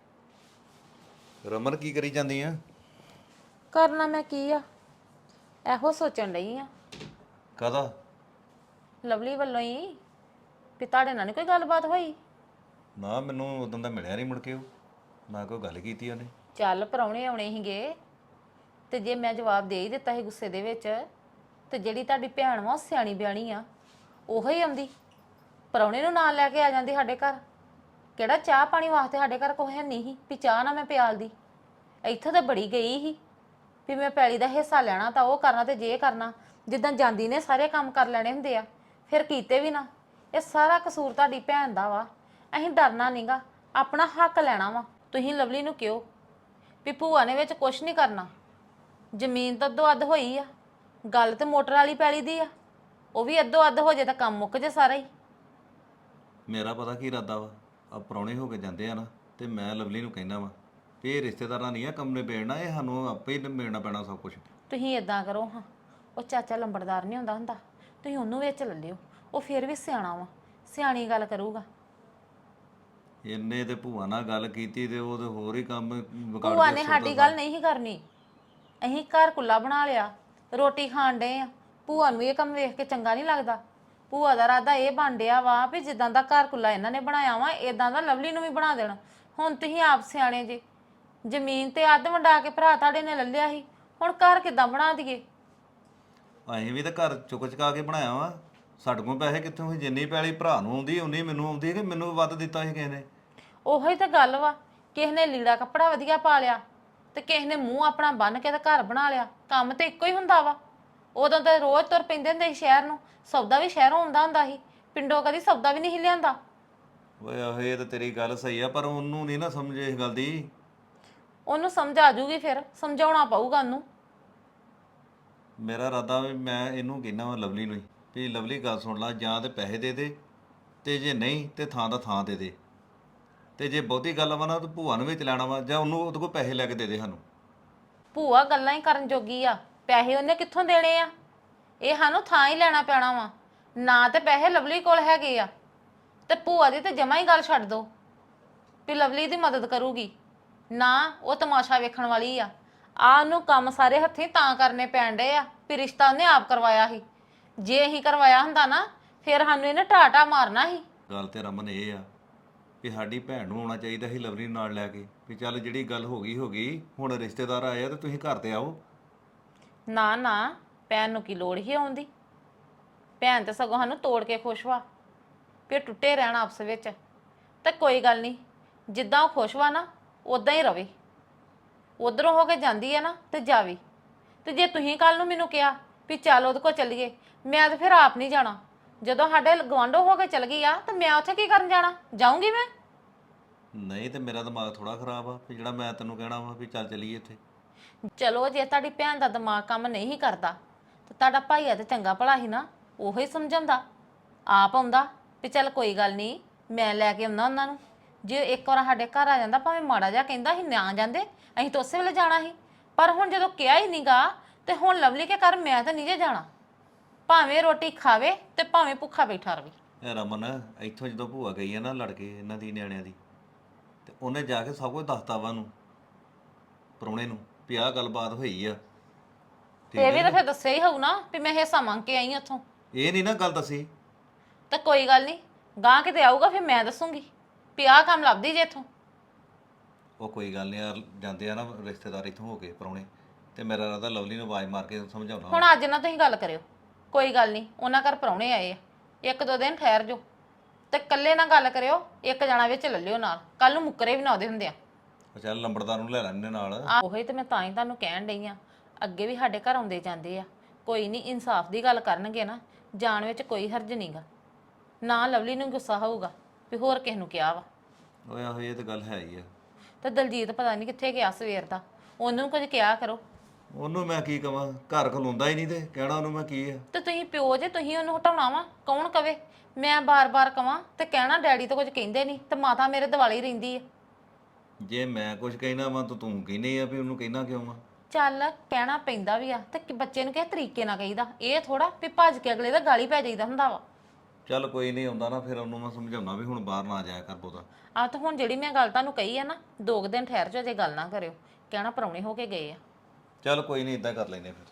Speaker 5: ਰਮਨ ਕੀ ਕਰੀ ਜਾਂਦੀ ਆ?
Speaker 4: ਕਰਨਾ ਮੈਂ ਕੀ ਆ, ਇਹੋ ਸੋਚਣ ਡਈ ਆ
Speaker 5: ਕਾਹਦਾ?
Speaker 4: ਲਵਲੀ ਵੱਲੋਂ ਹੀ ਵੀ ਤੁਹਾਡੇ ਨਾਲ ਨੀ ਕੋਈ ਗੱਲਬਾਤ ਹੋਈ।
Speaker 5: ਨਾ ਮੈਨੂੰ ਉਦੋਂ ਦਾ ਮਿਲਿਆ ਨਹੀਂ ਮੁੜ ਕੇ, ਉਹ ਨਾ ਕੋਈ ਗੱਲ ਕੀਤੀ ਉਹਨੇ।
Speaker 4: ਚੱਲ ਪ੍ਰਾਹੁਣੇ ਆਉਣੇ ਸੀਗੇ ਤੇ ਜੇ ਮੈਂ ਜਵਾਬ ਦੇ ਹੀ ਦਿੱਤਾ ਸੀ ਗੁੱਸੇ ਦੇ ਵਿੱਚ, ਤੇ ਜਿਹੜੀ ਤੁਹਾਡੀ ਭੈਣ ਵਾ ਉਹ ਸਿਆਣੀ ਬਿਆਣੀ ਆ, ਉਹੋ ਹੀ ਆਉਂਦੀ ਪ੍ਰਾਹੁਣੇ ਨੂੰ ਨਾਲ ਲੈ ਕੇ ਆ ਜਾਂਦੀ ਸਾਡੇ ਘਰ। ਕਿਹੜਾ ਚਾਹ ਪਾਣੀ ਵਾਸਤੇ ਸਾਡੇ ਘਰ ਕੋਈ ਹੈ ਨਹੀਂ ਸੀ ਵੀ ਚਾਹ ਨਾ ਮੈਂ ਪਿਆਲਦੀ। ਇੱਥੋਂ ਤਾਂ ਬੜੀ ਗਈ ਸੀ ਵੀ ਮੈਂ ਪੈਲੀ ਦਾ ਹਿੱਸਾ ਲੈਣਾ ਤਾਂ ਉਹ ਕਰਨਾ ਤੇ ਜੇ ਕਰਨਾ। ਜਿੱਦਾਂ ਜਾਂਦੀ ਨੇ ਸਾਰੇ ਕੰਮ ਕਰ ਲੈਣੇ ਹੁੰਦੇ ਆ, ਫਿਰ ਕੀਤੇ ਵੀ ਨਾ। ਇਹ ਸਾਰਾ ਕਸੂਰ ਤੁਹਾਡੀ ਭੈਣ ਦਾ ਵਾ। ਅਸੀਂ ਡਰਨਾ ਨਹੀਂਗਾ, ਆਪਣਾ ਹੱਕ ਲੈਣਾ ਵਾ। ਤੁਸੀਂ ਲਵਲੀ ਨੂੰ ਕਿਹੋ ਵੀ ਭੂਆ ਨੇ ਵਿੱਚ ਕੁਛ ਨਹੀਂ ਕਰਨਾ। ਜ਼ਮੀਨ ਤਾਂ ਅੱਧੋ ਅੱਧ ਹੋਈ ਆ, ਗੱਲ ਤੇ ਮੋਟਰ ਵਾਲੀ ਪੈਲੀ ਦੀ ਆ, ਉਹ ਵੀ ਅੱਧੋ ਅੱਧ ਹੋ ਜੇ ਤਾਂ ਕੰਮ ਮੁੱਕ ਜੇ ਸਾਰਾ ਹੀ।
Speaker 5: ਮੇਰਾ ਪਤਾ ਕੀ ਇਰਾਦਾ ਵਾ, ਆ ਪ੍ਰਾਹੁਣੇ ਹੋ ਕੇ ਜਾਂਦੇ ਆ ਨਾ, ਤੇ ਮੈਂ ਲਵਲੀ ਨੂੰ ਕਹਿਣਾ ਵਾ ਵੀ ਇਹ ਰਿਸ਼ਤੇਦਾਰਾਂ ਨਹੀਂ ਆ ਕੰਮ ਨੇ ਬੇੜਨਾ, ਇਹ ਸਾਨੂੰ ਆਪੇ ਹੀ ਮਿਲਣਾ ਪੈਣਾ ਸਭ ਕੁਝ।
Speaker 4: ਤੁਸੀਂ ਇਦਾਂ ਕਰੋ ਹਾਂ, ਉਹ ਚਾਚਾ ਲੰਬੜਦਾਰ ਨਹੀਂ ਹੁੰਦਾ ਹੁੰਦਾ, ਤੁਸੀਂ ਉਹਨੂੰ ਵਿੱਚ ਲੈ ਲਿਓ। ਉਹ ਫਿਰ ਵੀ ਸਿਆਣਾ ਵਾ, ਸਿਆਣੀ ਗੱਲ ਕਰੂਗਾ।
Speaker 5: ਇਹਨੇ ਤੇ ਭੂਆ ਨਾਲ ਗੱਲ ਕੀਤੀ ਤੇ ਉਹ ਤੇ ਹੋਰ ਹੀ ਕੰਮ ਵਿਗਾੜ
Speaker 4: ਭੂਆ
Speaker 5: ਕੇ
Speaker 4: ਨੇ
Speaker 5: ਸੁੱਟਤਾ
Speaker 4: ਸਾਡੀ ਗੱਲ ਨਹੀਂ ਸੀ ਕਰਨੀ। ਅਸੀਂ ਘਰ ਕੁੱਲਾ ਬਣਾ ਲਿਆ, ਰੋਟੀ ਖਾਣ ਡਏ ਆ। ਭੂਆ ਨੂੰ ਇਹ ਕੰਮ ਵੇਖ ਕੇ ਚੰਗਾ ਨਹੀਂ ਲੱਗਦਾ। ਭੂਆ ਦਾ ਇਰਾਦਾ ਇਹ ਬਣ ਡਿਆ ਵਾ ਵੀ ਜਿੱਦਾਂ ਦਾ ਘਰ ਕੁੱਲਾ ਇਹਨਾਂ ਨੇ ਬਣਾਇਆ ਵਾ, ਇਦਾਂ ਦਾ ਲਵਲੀ ਨੂੰ ਵੀ ਬਣਾ ਦੇਣਾ। ਹੁਣ ਤੁਸੀਂ ਆਪ ਸਿਆਣੇ ਜੇ, ਜ਼ਮੀਨ ਤੇ ਅੱਧ ਵੰਡਾ ਕੇ ਭਰਾ ਤੁਹਾਡੇ ਨੇ ਲੈ ਲਿਆ ਸੀ, ਹੁਣ ਘਰ ਕਿੱਦਾਂ ਬਣਾ ਦਈਏ?
Speaker 5: ਅਸੀਂ ਵੀ ਤਾਂ ਘਰ ਚੁੱਕ ਚੁਕਾ ਕੇ ਬਣਾਇਆ ਵਾ। ਸਾਡੇ ਕੋਲ ਪੈਸੇ ਕਿੱਥੋਂ ਹੋਈ? ਜਿੰਨੀ ਪੈਲੀ ਭਰਾ ਨੂੰ ਆਉਂਦੀ ਉਨੀ ਮੈਨੂੰ ਆਉਂਦੀ, ਕਿ ਮੈਨੂੰ ਵੱਧ ਦਿੱਤਾ ਸੀ ਕਿਸੇ ਨੇ?
Speaker 4: ਉਹੀ ਤਾਂ ਗੱਲ ਵਾ, ਕਿਸੇ ਨੇ ਲੀੜਾ ਕੱਪੜਾ ਵਧੀਆ ਪਾ ਲਿਆ ਤੇ ਕਿਸੇ ਨੇ ਮੂੰਹ ਆਪਣਾ ਬੰਨ ਕੇ ਤੇ ਘਰ ਬਣਾ ਲਿਆ। ਕੰਮ ਤੇ ਇੱਕੋ ਹੀ ਹੁੰਦਾ ਵਾ। ਉਦੋਂ ਤਾਂ ਰੋਜ਼ ਤੁਰ ਪੈਂਦੇ ਹੁੰਦੇ ਸੀ ਸ਼ਹਿਰ ਨੂੰ, ਸੌਦਾ ਵੀ ਸ਼ਹਿਰੋਂ ਆਉਂਦਾ ਹੁੰਦਾ ਸੀ, ਪਿੰਡੋਂ ਕਦੀ ਸੌਦਾ ਵੀ ਨਹੀਂ ਲਿਆਂਦਾ।
Speaker 5: ਓਏ ਆਹੋ ਇਹ ਤਾਂ ਤੇਰੀ ਗੱਲ ਸਹੀ ਆ, ਪਰ ਉਹਨੂੰ ਨਹੀਂ ਨਾ ਸਮਝੇ ਇਸ ਗੱਲ ਦੀ।
Speaker 4: ਉਹਨੂੰ ਸਮਝ ਆ ਜੂਗੀ, ਫਿਰ ਸਮਝਾਉਣਾ ਪਊਗਾ ਉਹਨੂੰ।
Speaker 5: ਮੇਰਾ ਇਰਾਦਾ ਵੀ ਮੈਂ ਇਹਨੂੰ ਕਹਿਣਾ ਵਾ ਲਵਲੀ ਨੂੰ ਹੀ ਵੀ ਲਵਲੀ ਗੱਲ ਸੁਣ ਲਾ, ਜਾਂ ਤੇ ਪੈਸੇ ਦੇ ਦੇ, ਤੇ ਜੇ ਨਹੀਂ ਤੇ ਥਾਂ ਦਾ ਥਾਂ ਦੇ ਦੇ। ਤੇ ਜੇ ਬਹੁਤੀ ਗੱਲ ਵਾ ਨਾ ਤਾਂ ਭੂਆ ਨੂੰ ਵਿੱਚ ਲੈਣਾ ਵਾ, ਜਾਂ ਉਹਨੂੰ ਉਹਦੇ ਕੋਲ ਪੈਸੇ ਲੈ ਕੇ ਦੇ ਦੇ ਸਾਨੂੰ।
Speaker 4: ਭੂਆ ਗੱਲਾਂ ਹੀ ਕਰਨ ਜੋਗੀ ਆ, ਪੈਸੇ ਉਹਨੇ ਕਿੱਥੋਂ ਦੇਣੇ ਆ? ਇਹ ਸਾਨੂੰ ਥਾਂ ਹੀ ਲੈਣਾ ਪੈਣਾ ਵਾ। ਨਾ ਤੇ ਪੈਸੇ ਲਵਲੀ ਕੋਲ ਹੈਗੇ ਆ, ਤੇ ਭੂਆ ਦੀ ਤੇ ਜਮਾ ਹੀ ਗੱਲ ਛੱਡ ਦੋ ਵੀ ਲਵਲੀ ਦੀ ਮਦਦ ਕਰੂਗੀ। ਨਾ ਉਹ ਤਮਾਸ਼ਾ ਵੇਖਣ ਵਾਲੀ ਆ। ਉਹਨੂੰ ਕੰਮ ਸਾਰੇ ਹੱਥੀਂ ਤਾਂ ਕਰਨੇ ਪੈਣ ਡਏ ਆ ਵੀ ਰਿਸ਼ਤਾ ਉਹਨੇ ਆਪ ਕਰਵਾਇਆ ਸੀ। ਜੇ ਅਸੀਂ ਕਰਵਾਇਆ ਹੁੰਦਾ ਨਾ, ਫਿਰ ਸਾਨੂੰ ਇਹਨੇ ਟਾਟਾ ਮਾਰਨਾ ਸੀ।
Speaker 5: ਗੱਲ ਤੇ ਰਮਨ ਇਹ ਆ ਵੀ ਸਾਡੀ ਭੈਣ ਨੂੰ ਆਉਣਾ ਚਾਹੀਦਾ ਸੀ ਲਵਲੀ ਨੂੰ ਨਾਲ ਲੈ ਕੇ, ਵੀ ਚੱਲ ਜਿਹੜੀ ਗੱਲ ਹੋ ਗਈ, ਹੁਣ ਰਿਸ਼ਤੇਦਾਰ ਆਏ ਆ ਤੇ ਤੁਸੀਂ ਘਰ ਤੇ ਆਓ।
Speaker 4: ਨਾ ਨਾ, ਭੈਣ ਨੂੰ ਕੀ ਲੋੜ ਹੀ ਆਉਣ ਦੀ? ਭੈਣ ਤੇ ਸਗੋਂ ਸਾਨੂੰ ਤੋੜ ਕੇ ਖੁਸ਼ ਵਾ ਵੀ ਟੁੱਟੇ ਰਹਿਣ ਆਪਸ ਵਿੱਚ। ਤੇ ਕੋਈ ਗੱਲ ਨਹੀਂ, ਜਿੱਦਾਂ ਉਹ ਖੁਸ਼ ਵਾ ਨਾ ਉਦਾਂ ਹੀ ਰਵੇ। ਉਧਰੋਂ ਹੋ ਕੇ ਜਾਂਦੀ ਹੈ ਨਾ ਤੇ ਜਾਵੇ। ਤੇ ਜੇ ਤੁਸੀਂ ਕੱਲ ਨੂੰ ਮੈਨੂੰ ਕਿਹਾ ਵੀ ਚੱਲ ਉਹਦੇ ਕੋਲ ਚੱਲੀਏ, ਮੈਂ ਤਾਂ ਫਿਰ ਆਪ ਨਹੀਂ ਜਾਣਾ। ਜਦੋਂ ਸਾਡੇ ਗਵਾਂਢੋਂ ਹੋ ਕੇ ਚੱਲ ਗਈ ਆ ਤਾਂ ਮੈਂ ਉੱਥੇ ਕੀ ਕਰਨ ਜਾਣਾ? ਜਾਊਂਗੀ ਮੈਂ?
Speaker 5: ਨਹੀਂ ਤੇ ਮੇਰਾ ਦਿਮਾਗ ਥੋੜਾ ਖਰਾਬ ਆ ਵੀ ਜਿਹੜਾ ਮੈਂ ਤੈਨੂੰ ਕਹਿਣਾ ਵਾ ਵੀ ਚੱਲ ਚੱਲੀਏ ਇੱਥੇ।
Speaker 4: ਚਲੋ ਜੇ ਤੁਹਾਡੀ ਭੈਣ ਦਾ ਦਿਮਾਗ ਕੰਮ ਨਹੀਂ ਕਰਦਾ ਤਾਂ ਤੁਹਾਡਾ ਭਾਈਆ ਤੇ ਚੰਗਾ ਭਲਾ ਸੀ ਨਾ, ਉਹੀ ਸਮਝਾਉਂਦਾ। ਆਪ ਆਉਂਦਾ ਵੀ ਚੱਲ ਕੋਈ ਗੱਲ ਨਹੀਂ, ਮੈਂ ਲੈ ਕੇ ਆਉਣਾ ਉਹਨਾਂ ਨੂੰ, ਜੇ ਇੱਕ ਵਾਰ ਸਾਡੇ ਘਰ ਆ ਜਾਂਦਾ ਭਾਵੇਂ ਮਾੜਾ ਜਿਹਾ ਕਹਿੰਦਾ ਅਸੀਂ ਨਾ ਜਾਂਦੇ, ਅਸੀਂ ਤਾਂ ਉਸੇ ਵੇਲੇ ਜਾਣਾ ਸੀ। ਪਰ ਹੁਣ ਜਦੋਂ ਕਿਹਾ ਹੀ ਨਹੀਂਗਾ ਤੇ ਹੁਣ ਲਵਲੀ ਕੇ ਘਰ ਮੈਂ ਤਾਂ ਨਹੀਂ ਜੇ ਜਾਣਾ, ਭਾਵੇਂ ਰੋਟੀ ਖਾਵੇ ਤੇ ਭਾਵੇਂ ਭੁੱਖਾ ਬੈਠਾ ਰਵੇ।
Speaker 5: ਇਹ ਰਮਨ ਇੱਥੋਂ ਜਦੋਂ ਭੂਆ ਗਈ ਆ ਨਾ ਲੜ ਕੇ ਇਹਨਾਂ ਦੀ ਨਿਆਣਿਆਂ ਦੀ, ਤੇ ਉਹਨੇ ਜਾ ਕੇ ਸਭ ਕੁਝ ਦੱਸਤਾ ਵਾ ਉਹਨੂੰ, ਪ੍ਰਾਹੁਣੇ ਨੂੰ, ਵੀ ਆਹ ਗੱਲਬਾਤ ਹੋਈ ਆ।
Speaker 4: ਤੇ ਇਹ ਵੀ ਤਾਂ ਫਿਰ ਦੱਸਿਆ ਹੀ ਹੋਊ ਨਾ ਵੀ ਮੈਂ ਹਿੱਸਾ ਮੰਗ ਕੇ ਆਈ ਉੱਥੋਂ।
Speaker 5: ਇਹ ਨਹੀਂ ਨਾ ਗੱਲ ਦੱਸੀ।
Speaker 4: ਤਾਂ ਕੋਈ ਗੱਲ ਨਹੀਂ, ਗਾਂ ਕਿਤੇ ਆਊਗਾ ਫਿਰ ਮੈਂ ਦੱਸੂਗੀ ਵੀ ਆਹ ਕੰਮ ਲੱਭਦੀ ਜੇ ਇੱਥੋਂ।
Speaker 5: ਉਹ ਕੋਈ ਗੱਲ ਨਹੀਂ ਯਾਰ, ਜਾਂਦੇ ਆ ਨਾ ਰਿਸ਼ਤੇਦਾਰ ਇੱਥੋਂ ਹੋ ਕੇ ਪ੍ਰਾਹੁਣੇ, ਤੇ ਮੇਰਾ ਰਾਦਾ ਲਵਲੀ ਨੂੰ ਆਵਾਜ਼ ਮਾਰ ਕੇ ਸਮਝਾਉਣਾ।
Speaker 4: ਹੁਣ ਅੱਜ ਨਾ ਤੁਸੀਂ ਗੱਲ ਕਰਿਓ, ਕੋਈ ਗੱਲ ਨਹੀਂ, ਉਹਨਾਂ ਘਰ ਪ੍ਰਾਹੁਣੇ ਆਏ ਆ, 1-2 ਦਿਨ ਠਹਿਰ ਜਾਓ ਤੇ ਇਕੱਲੇ ਨਾਲ ਗੱਲ ਕਰਿਓ, ਇੱਕ ਜਣਾ ਵਿੱਚ ਲੈ ਲਿਓ ਨਾਲ, ਕੱਲ ਨੂੰ ਮੁੱਕਰੇ ਵੀ ਨਾ ਉਹਦੇ ਹੁੰਦੇ ਆ।
Speaker 5: ਉਹ ਚੱਲ ਲੰਬੜਦਾਰ ਨੂੰ ਲੈ ਲੈਣੇ ਨਾਲ।
Speaker 4: ਉਹੀ ਤੇ ਮੈਂ ਤਾਂ ਹੀ ਤੁਹਾਨੂੰ ਕਹਿਣ ਡਈ ਆ, ਅੱਗੇ ਵੀ ਸਾਡੇ ਘਰ ਆਉਂਦੇ ਜਾਂਦੇ ਆ, ਕੋਈ ਨਹੀਂ ਇਨਸਾਫ ਦੀ ਗੱਲ ਕਰਨਗੇ ਨਾ, ਜਾਣ ਵਿੱਚ ਕੋਈ ਹਰਜ ਨਹੀਂਗਾ। ਨਾ ਲਵਲੀ ਨੂੰ ਗੁੱਸਾ ਹੋਊਗਾ ਵੀ ਹੋਰ ਕਿਸ ਨੂੰ ਕਿਹਾ ਵਾ।
Speaker 5: ਓਏ ਆਹੋ ਇਹ ਤਾਂ ਗੱਲ ਹੈ ਹੀ ਆ।
Speaker 4: ਤੇ ਦਲਜੀਤ ਪਤਾ ਨਹੀਂ ਕਿੱਥੇ ਗਿਆ ਸਵੇਰ ਦਾ, ਉਹਨੂੰ ਕੁਝ ਕਿਹਾ ਕਰੋ।
Speaker 5: ਉਹਨੂੰ ਮੈਂ ਕੀ ਕਵਾਂ, ਘਰ ਖਲੋਂਦਾ ਹੀ ਨਹੀਂ ਤੇ ਕਹਿਣਾ ਉਹਨੂੰ ਮੈਂ ਕੀ ਆ।
Speaker 4: ਤੇ ਤੁਸੀਂ ਪਿਓ ਜੇ, ਤੁਸੀਂ ਉਹਨੂੰ ਹਟਾਉਣਾ ਵਾ, ਕੌਣ ਕਵੇ? ਮੈਂ ਬਾਰ-ਬਾਰ ਕਵਾਂ ਤੇ ਕਹਿਣਾ ਡੈਡੀ ਤਾਂ ਕੁਝ ਕਹਿੰਦੇ ਨਹੀਂ, ਤੇ ਮਾਤਾ ਮੇਰੇ ਦਿਵਾਲੀ ਰਹਿੰਦੀ ਆ।
Speaker 5: ਜੇ ਮੈਂ ਕੁਝ ਕਹਿਣਾ ਵਾ ਤਾਂ ਤੂੰ ਕਹਿੰਦੀ ਆ ਵੀ ਉਹਨੂੰ ਕਹਿਣਾ ਕਿਉਂ ਵਾ?
Speaker 4: ਚੱਲ ਕਹਿਣਾ ਪੈਂਦਾ ਵੀ ਆ, ਤੇ ਬੱਚੇ ਨੂੰ ਕਿਸੇ ਤਰੀਕੇ ਨਾਲ ਕਹੀਦਾ, ਇਹ ਥੋੜਾ ਵੀ ਭੱਜ ਕੇ ਅਗਲੇ ਦਾ ਗਾਲੀ ਪੈ ਜਾਈਦਾ ਹੁੰਦਾ ਵਾ।
Speaker 5: ਚੱਲ ਕੋਈ ਨਹੀਂ ਆਉਂਦਾ ਨਾ, ਫਿਰ ਉਹਨੂੰ ਮੈਂ ਸਮਝਾਉਣਾ ਵੀ ਹੁਣ ਬਾਹਰ ਨਾ ਜਾਇਆ ਕਰ ਬਹੁਤਾ।
Speaker 4: ਆ ਤਾਂ ਹੁਣ ਜਿਹੜੀ ਮੈਂ ਗੱਲ ਤੁਹਾਨੂੰ ਕਹੀ ਆ ਨਾ, 2 ਦਿਨ ਠਹਿਰ ਜਾਓ, ਜੇ ਗੱਲ ਨਾ ਕਰਿਓ, ਕਹਿਣਾ ਪ੍ਰਾਹੁਣੇ ਹੋ ਕੇ ਗਏ ਆ।
Speaker 5: ਚੱਲ ਕੋਈ ਨਹੀਂ, ਇਦਾਂ ਕਰ ਲੈਨੇ ਫਿਰ।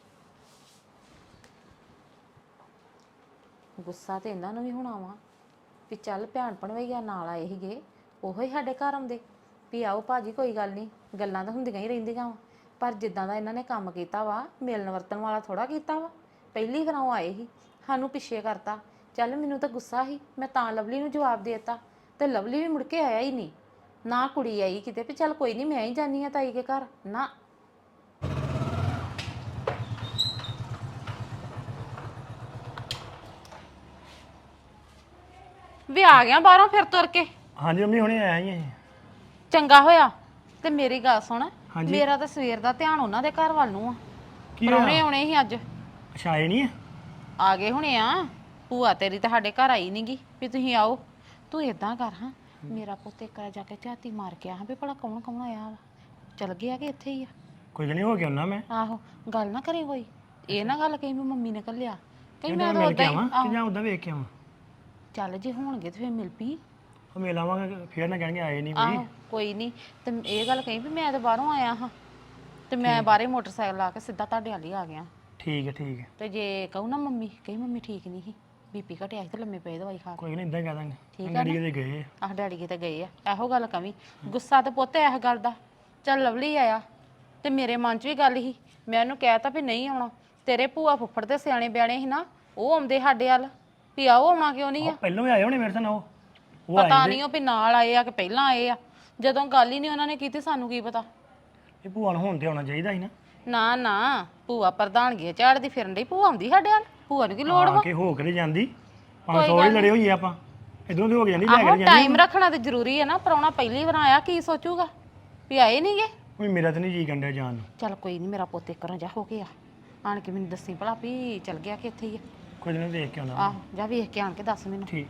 Speaker 4: ਗੁੱਸਾ ਤੇ ਇਹਨਾਂ ਨੂੰ ਵੀ ਹੋਣਾ ਵਾ ਵੀ ਚੱਲ ਭੈਣ ਭਣਵਈਆ ਨਾਲ ਆਏ ਸੀਗੇ, ਉਹੋ ਹੀ ਸਾਡੇ ਘਰ ਆਉਂਦੇ ਵੀ ਆਓ ਭਾਜੀ ਕੋਈ ਗੱਲ ਨਹੀਂ, ਗੱਲਾਂ ਤਾਂ ਹੁੰਦੀਆਂ ਹੀ ਰਹਿੰਦੀਆਂ ਵਾ, ਪਰ ਜਿੱਦਾਂ ਦਾ ਇਹਨਾਂ ਨੇ ਕੰਮ ਕੀਤਾ ਵਾ, ਮਿਲਣ ਵਰਤਣ ਵਾਲਾ ਥੋੜਾ ਕੀਤਾ ਵਾ। ਪਹਿਲੀ ਵਾਰ ਉਹ ਆਏ ਸੀ, ਸਾਨੂੰ ਪਿੱਛੇ ਕਰਤਾ। ਚੱਲ ਮੈਨੂੰ ਤਾਂ ਗੁੱਸਾ ਸੀ, ਮੈਂ ਤਾਂ ਲਵਲੀ ਨੂੰ ਜਵਾਬ ਦੇ ਦਿੱਤਾ, ਤੇ ਲਵਲੀ ਵੀ ਮੁੜ ਕੇ ਆਇਆ ਹੀ ਨਹੀਂ, ਨਾ ਕੁੜੀ ਆਈ ਕਿਤੇ ਵੀ ਚੱਲ ਕੋਈ ਨਹੀਂ ਮੈਂ ਹੀ ਜਾਨੀ ਆ ਤਾਈ ਕੇ ਘਰ, ਨਾ। ਵੀ ਆ ਗਿਆ ਬਾਹਰੋਂ ਫਿਰ ਤੁਰ ਕੇ?
Speaker 6: ਹਾਂਜੀ ਮੰਮੀ ਹੁਣੇ ਆਇਆ ਹੀ
Speaker 4: ਚੰਗਾ ਹੋਇਆ। ਤੇ ਮੇਰੀ ਗੱਲ ਸੁਣ, ਮੇਰਾ ਤਾਂ ਸਵੇਰ ਦਾ ਧਿਆਨ ਉਹਨਾਂ ਦੇ ਘਰ ਵੱਲ ਨੂੰ ਆ। ਪ੍ਰਾਹੁਣੇ ਆਉਣੇ ਸੀ ਅੱਜ।
Speaker 6: ਅੱਛਾ ਆਏ ਨਹੀਂ
Speaker 4: ਆ ਗਏ ਹੁਣੇ ਆ। ਭੂਆ ਤੇਰੀ ਤਾਂ ਸਾਡੇ ਘਰ ਆਈ ਨਹੀਂਗੀ ਵੀ ਤੁਸੀਂ ਆਓ। ਤੂੰ ਇਦਾਂ ਕਰ, ਹਾਂ ਮੇਰਾ ਪੁੱਤ ਇੱਕ ਵਾਰ ਜਾ ਕੇ ਝਾਤੀ ਮਾਰ ਕੇ ਆ ਵੀ ਭਲਾ ਕੌਣ ਕੌਣ ਆਇਆ ਵਾ, ਚਲ ਗਿਆ ਕਿ ਇੱਥੇ ਹੀ ਆ?
Speaker 6: ਕੋਈ ਨਹੀਂ ਹੋ ਗਿਆ ਉਹਨਾਂ ਮੈਂ
Speaker 4: ਆਹੋ, ਗੱਲ ਨਾ ਕਰੀ ਕੋਈ, ਇਹ ਨਾ ਗੱਲ ਕਹੀ ਵੀ ਮੰਮੀ ਨੇ ਘੱਲਿਆ, ਕਹੀ ਮੈਂ ਤਾਂ
Speaker 6: ਮਿਲ ਕੇ
Speaker 4: ਉਦਾਂ
Speaker 6: ਆਵਾਂ
Speaker 4: ਹੀ।
Speaker 6: ਕਿ ਜਾਂ ਉਦਾਂ ਵੇਖ ਕੇ ਆਵਾਂ?
Speaker 4: ਚੱਲ ਜੇ ਹੋਣਗੇ ਤੇ ਫਿਰ ਮਿਲ ਪਈ।
Speaker 6: ਉਹ ਮਿਲ ਆਵਾਂਗੇ, ਫੇਰ ਨਾ ਕਹਿਣਗੇ ਆਏ ਨਹੀਂ ਵੀ।
Speaker 4: ਆਹੋ ਕੋਈ ਨਹੀਂ, ਤੇ ਇਹ ਗੱਲ ਕਹੀ ਵੀ ਮੈਂ ਤਾਂ ਬਾਹਰੋਂ ਆਇਆ ਹਾਂ, ਤੇ ਮੈਂ ਬਾਹਰੇ ਮੋਟਰਸਾਈਕਲ ਲਾ ਕੇ ਸਿੱਧਾ ਤੁਹਾਡੇ ਵਾਲੀ ਆ ਗਿਆ।
Speaker 6: ਠੀਕ ਹੈ ਠੀਕ ਹੈ,
Speaker 4: ਤੇ ਜੇ ਕਹੂ ਨਾ ਮੰਮੀ, ਕਹੀ ਮੰਮੀ ਠੀਕ ਨਹੀਂ ਸੀ, ਬੀਪੀ ਘਟਿਆ ਸੀ ਤੇ ਲੰਮੇ ਪਏ ਦਵਾਈ ਖਾ ਕੇ।
Speaker 6: ਕੋਈ ਨਹੀਂ ਇਦਾਂ ਕਹਿ ਦਾਂਗੇ।
Speaker 4: ਠੀਕ ਆ
Speaker 6: ਡੈਡੀ ਕਿਤੇ ਗਏ ਆ।
Speaker 4: ਆਹ ਡੈਡੀ ਕਿਤੇ ਗਏ ਆ, ਇਹੋ ਗੱਲ ਕਵੀ। ਗੁੱਸਾ ਤੇ ਪੁੱਤ ਇਸ ਗੱਲ ਦਾ, ਚੱਲ ਲਵਲੀ ਆਇਆ ਤੇ ਮੇਰੇ ਮਨ 'ਚ ਵੀ ਗੱਲ ਸੀ, ਮੈਂ ਉਹਨੂੰ ਕਹਿਤਾ ਵੀ ਨਹੀਂ ਆਉਣਾ। ਤੇਰੇ ਭੂਆ ਫੁੱਫੜ ਦੇ ਸਿਆਣੇ ਬਿਆਣੇ ਸੀ ਨਾ, ਉਹ ਆਉਂਦੇ ਸਾਡੇ ਵੱਲ ਵੀ ਆਓ, ਆਉਣਾ ਕਿਉਂ ਨਹੀਂ ਆ?
Speaker 6: ਪਹਿਲਾਂ ਵੀ ਆਏ ਹੋਣੇ ਮੇਰੇ ਨਾਲ ਉਹ
Speaker 4: ਪਤਾ ਨਹੀਂ ਉਹ ਵੀ ਨਾਲ ਆਏ ਆ ਕਿ ਪਹਿਲਾਂ ਆਏ ਆ, ਜਦੋਂ ਗੱਲ ਹੀ ਨਹੀਂ ਉਹਨਾਂ ਨੇ ਕੀਤੀ ਸਾਨੂੰ ਕੀ ਪਤਾ।
Speaker 6: ਇਹ ਭੂਆ ਨੂੰ ਹੁਣ ਤੇ ਆਉਣਾ ਚਾਹੀਦਾ ਸੀ ਨਾ।
Speaker 4: ਨਾ ਨਾ, ਭੂਆ ਪ੍ਰਧਾਨਗੀ ਝਾੜਦੀ ਫਿਰਨ ਡਈ, ਭੂਆ ਆਉਂਦੀ ਸਾਡੇ ਵੱਲ, ਭੂਆ ਨੂੰ ਕੀ ਲੋੜ ਵਾ?
Speaker 6: ਕਿ ਹੋ ਕੇ ਜਾਂਦੀ 500 ਹੀ ਲੜੇ ਹੋਈਏ ਆਪਾਂ, ਇਧਰੋਂ ਤੇ ਹੋ ਕੇ ਜਾਂਦੀ, ਲੈ ਕੇ
Speaker 4: ਆਹੋ
Speaker 6: ਜਾਂਦੀ।
Speaker 4: ਟਾਈਮ ਰੱਖਣਾ ਤੇ ਜ਼ਰੂਰੀ ਹੈ ਨਾ, ਪ੍ਰਾਹੁਣਾ ਪਹਿਲੀ ਵਾਰ ਆਇਆ, ਕੀ ਸੋਚੂਗਾ ਵੀ ਆਏ ਨਹੀਂਗੇ?
Speaker 6: ਕੋਈ ਮੇਰਾ ਤਾਂ ਨਹੀਂ ਜੀ ਕੰਡਿਆ ਜਾਣ ਨੂੰ।
Speaker 4: ਚੱਲ ਕੋਈ ਨਹੀਂ, ਮੇਰਾ ਪੁੱਤ ਇੱਕ ਰਾਂ ਜਾ ਹੋ ਗਿਆ, ਆਣ ਕੇ ਮੈਨੂੰ ਦੱਸੀ ਭਲਾ ਵੀ ਚੱਲ ਗਿਆ ਕਿ ਇੱਥੇ ਹੀ ਆ।
Speaker 6: ਕੋਈ ਨਹੀਂ ਵੇਖ ਕੇ ਆਉਣਾ।
Speaker 4: ਆਹੋ ਜਾ ਵੇਖ ਕੇ ਆਣ ਕੇ ਦੱਸ ਮੈਨੂੰ।
Speaker 6: ਠੀਕ।